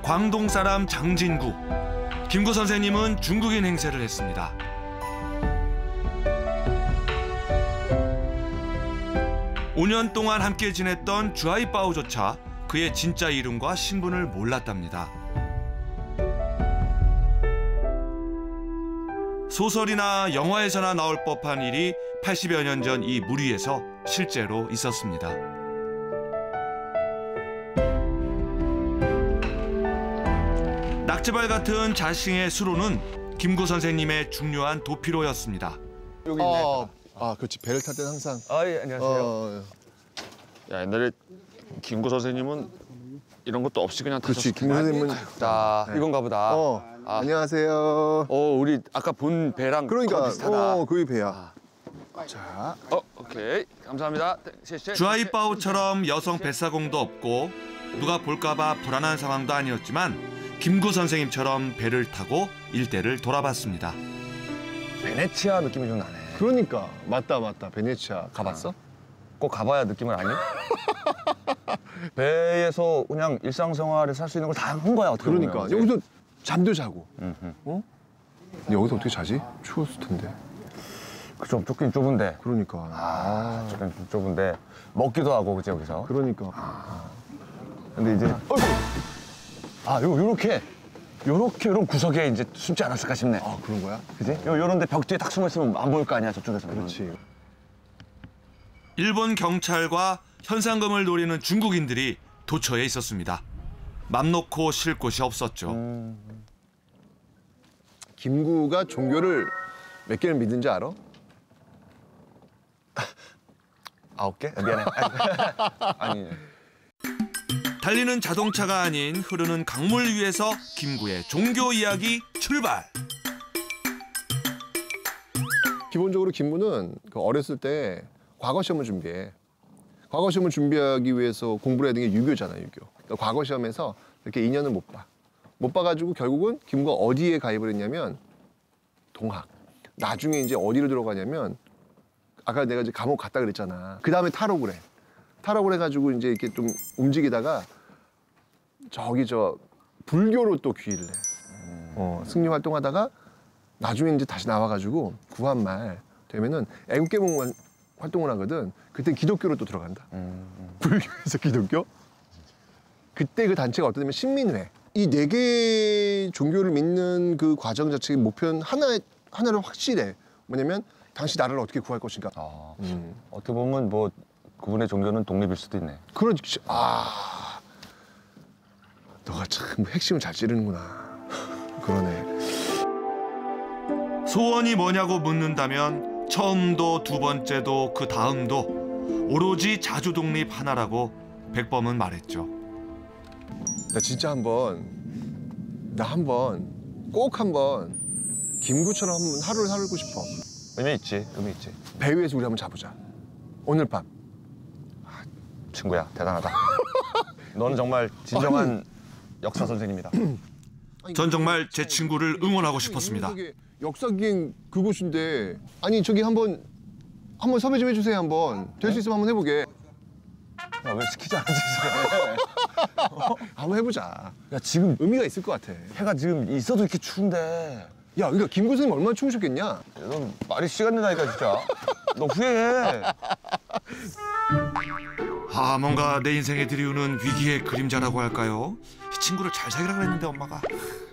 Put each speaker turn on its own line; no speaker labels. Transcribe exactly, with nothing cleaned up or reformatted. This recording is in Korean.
광동 사람 장진구. 김구 선생님은 중국인 행세를 했습니다. 오 년 동안 함께 지냈던 주아이빠오조차 그의 진짜 이름과 신분을 몰랐답니다. 소설이나 영화에서나 나올 법한 일이 팔십여 년 전 이 물 위에서 실제로 있었습니다. 낙지발 같은 자싱의 수로는 김구 선생님의 중요한 도피로였습니다.
여기 있네. 어, 아, 그렇지. 배를 탈 때는 항상.
아, 예, 안녕하세요.
어,
야, 옛날에 김구 선생님은 이런 것도 없이 그냥
그렇지.
타셨을
김구 선생님은.
자,
네.
이건가 보다.
어,
아.
안녕하세요.
어, 우리 아까 본 배랑
그러니까,
비슷하다.
어, 그게 배야. 자.
어, 오케이. 감사합니다.
주아이빠오처럼 여성 뱃사공도 없고 누가 볼까봐 불안한 상황도 아니었지만 김구 선생님처럼 배를 타고 일대를 돌아봤습니다.
베네치아 느낌이 좀 나네.
그러니까. 맞다, 맞다. 베네치아. 가봤어?
꼭 가봐야 느낌을 아니? 배에서 그냥 일상생활에 살 수 있는 걸 다 한 거야, 어떻게
그러니까.
보면.
여기서 잠도 자고.
음흠.
어? 근데 여기서 어떻게 자지? 추웠을 텐데.
그 좀 좁긴 좁은데.
그러니까.
아, 좁긴 좀 좁은데. 먹기도 하고, 그치, 여기서.
그러니까.
아. 근데 이제. 어이구! 아, 요, 요렇게. 요렇게, 요런 구석에 이제 숨지 않았을까 싶네.
아, 그런 거야?
그지? 요, 요런데 벽 뒤에 딱 숨어 있으면 안 보일 거 아니야, 저쪽에서는.
그렇지.
일본 경찰과 현상금을 노리는 중국인들이 도처에 있었습니다. 맘 놓고 쉴 곳이 없었죠.
음.
김구가 종교를 몇 개를 믿는지 알아?
아홉 개? 미안해. 아니.
달리는 자동차가 아닌 흐르는 강물 위에서 김구의 종교 이야기 출발!
기본적으로 김구는 그 어렸을 때 과거 시험을 준비해. 과거 시험을 준비하기 위해서 공부를 해야 되는 게 유교잖아, 유교. 그러니까 과거 시험에서 이렇게 인연을 못 봐. 못 봐가지고 결국은 김구가 어디에 가입을 했냐면 동학. 나중에 이제 어디로 들어가냐면 아까 내가 이제 감옥 갔다 그랬잖아. 그 다음에 탈옥을 해. 탈옥을 해가지고 이제 이렇게 좀 움직이다가 저기 저 불교로 또 귀의를 해. 어, 승리 활동하다가 나중에 이제 다시 나와가지고 구한말 되면은 애국개몽 활동을 하거든. 그때 기독교로 또 들어간다.
음, 음.
불교에서 기독교? 그때 그 단체가 어떠냐면 신민회. 이 네 개 종교를 믿는 그 과정 자체의 목표는 하나, 하나를 확실해. 뭐냐면 당시 나라를 어떻게 구할 것인가.
아,
음.
어떻게 보면 뭐 그분의 종교는 독립일 수도 있네.
그렇지. 아, 너가 참 핵심을 잘 찌르는구나. 그러네.
소원이 뭐냐고 묻는다면 처음도 두 번째도 그 다음도 오로지 자주 독립 하나라고 백범은 말했죠.
나 진짜 한번 나 한번 꼭 한번 김구처럼 한번 하루를 살고 싶어.
의미 있지, 의미 있지.
배 위에서 우리 한번 자보자. 오늘 밤.
친구야, 대단하다. 너는 정말 진정한 아니, 역사 선생님이다.
전 정말 제 친구를 응원하고 싶었습니다.
역사기행 그곳인데 아니 저기 한번 한번 섭외 좀 해주세요. 한번 될 수 있으면 한번 해보게.
야, 왜 시키지 않지?
어? 한번 해보자.
야, 지금
의미가 있을 것 같아.
해가 지금 있어도 이렇게 추운데.
야, 그러니까 김구 선생님 얼마나 추우셨겠냐?
넌 말이 시간 된다니까 진짜. 너 후회해.
아, 뭔가 내 인생에 들이우는 위기의 그림자라고 할까요? 이 친구를 잘 사귀라 그랬는데 엄마가.